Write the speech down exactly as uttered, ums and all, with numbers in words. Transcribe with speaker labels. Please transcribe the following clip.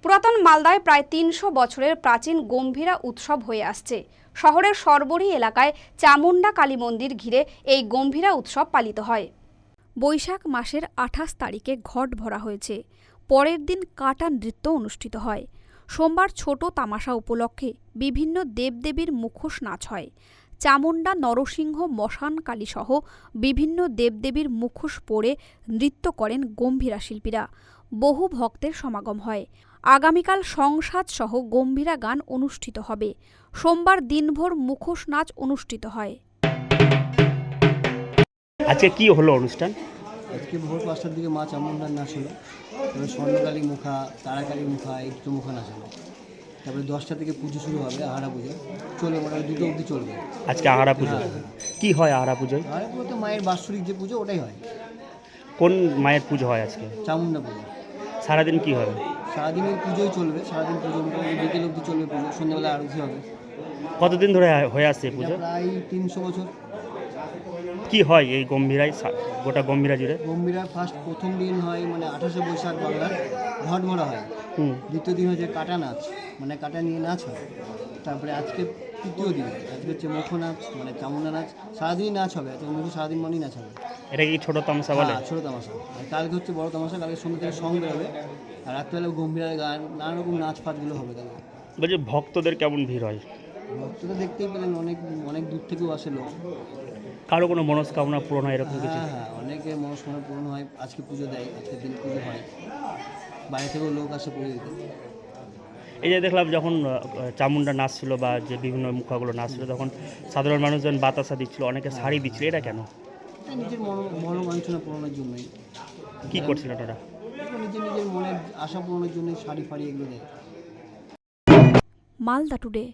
Speaker 1: পুরাতন মালদায় প্রায় তিনশো বছরের প্রাচীন গম্ভীরা উৎসব হয়ে আসছে। শহরের সরবরি এলাকায় চামুন্ডা কালী মন্দির ঘিরে এই গম্ভীরা উৎসব পালিত হয়। বৈশাখ মাসের আঠাশ তারিখে ঘট ভরা হয়েছে। পরের দিন কাটা নৃত্য অনুষ্ঠিত হয়। সোমবার ছোট তামাশা উপলক্ষে বিভিন্ন দেবদেবীর মুখোশ নাচ হয়। চামুন্ডা, নরসিংহ, মশান কালী সহ বিভিন্ন দেবদেবীর মুখোশ পরে নৃত্য করেন গম্ভীরা শিল্পীরা। বহু ভক্তের সমাগম হয়। আগামীকাল সংসাদ সহ গম্ভীরা গান অনুষ্ঠিত হবে। সোমবার দিনভর মুখোশ নাচ অনুষ্ঠিত হয়।
Speaker 2: আজকে কি হলো অনুষ্ঠান?
Speaker 3: আজকে ভোর পাঁচটার দিকে মা চামুন্ডার নাচ হলো, তারপরে স্বর্ণকালী মুখা, তারাকালী মুখা, এই দুটো মুখা নাচ হলো। তারপরে দশটা থেকে পুজো শুরু হবে, আহারা পুজো চলবে, মোটামুটি দুটো অবধি চলবে।
Speaker 2: আজকে আহারা পুজো। কি হয় আহারা পুজোয়?
Speaker 3: আহারা পুজো তো মায়ের বাৎসরিক যে পুজো ওটাই হয়।
Speaker 2: কোন মায়ের পুজো হয় আজকে?
Speaker 3: চামুন্ডা পুজো।
Speaker 2: সারাদিন কি হবে?
Speaker 3: সারাদিন ওই পুজোই চলবে, সারাদিন পুজো মোটামুটি বিকেল অবধি চলবে পুজো, সন্ধ্যাবেলা আরতি হবে।
Speaker 2: কতদিন ধরে হয়ে আসছে
Speaker 3: এটা
Speaker 2: পুজো?
Speaker 3: প্রায় তিনশো বছর।
Speaker 2: কি হয় এই গম্ভীরায়, গোটা গম্ভীরা জুড়ে?
Speaker 3: গম্ভীরা ফার্স্ট প্রথম দিন হয় মানে আঠাশে বৈশাখ বাংলার ঘট ভরা হয়।
Speaker 2: হুম।
Speaker 3: দ্বিতীয় দিন হচ্ছে কাটা নাচ, মানে কাটা নিয়ে নাচ হয়। তারপরে আজকে তৃতীয় দিন, আজকে হচ্ছে মুখ নাচ, মানে চামুন্ডা নাচ। সারাদিনই নাচ হবে, আজকে মুখ সারাদিন মনেই নাচ হবে।
Speaker 2: এটা কি ছোট তামাশা বলে?
Speaker 3: হ্যাঁ, ছোটো তামাশা। আর কালকে হচ্ছে বড় তামাশা, কালকে সন্ধ্যে থেকে সং বেরোবে। আর রাত্রেবেলা গম্ভীরার গান, নানা রকম নাচ ফাচগুলো হবে কালকে।
Speaker 2: বলছি ভক্তদের কেমন ভিড় হয়?
Speaker 3: ভক্তরা দেখতেই পেলেন, অনেক অনেক দূর থেকেও আসে লোক।
Speaker 2: কারো কোনো মনস্কামনা পূরণ হয় এরকম কিছু?
Speaker 3: হ্যাঁ হ্যাঁ, অনেকে মনস্কামনা পূরণ হয়। আজকে পুজো দেয়, আজকের দিন পুজো হয়, বাইরে থেকেও লোক আসে পুজো দিতে।
Speaker 2: এই যে দেখলাম যখন আহ, চামুন্ডা নাচ ছিল বা যে বিভিন্ন মুখাগুলো নাচ ছিল, তখন সাধারণ মানুষজন বাতাসা দিচ্ছিল, অনেকে শাড়ি দিচ্ছিল, এটা কেন?
Speaker 3: এটা নিজের মন মনোবাঞ্ছনা পূরণের জন্যই।
Speaker 2: কি করছিল ওরা?
Speaker 3: এটা নিজের নিজের মনের আশা পূরণের জন্য শাড়ি ফাড়ি এগুলো দেয়।
Speaker 1: মালদা টুডে।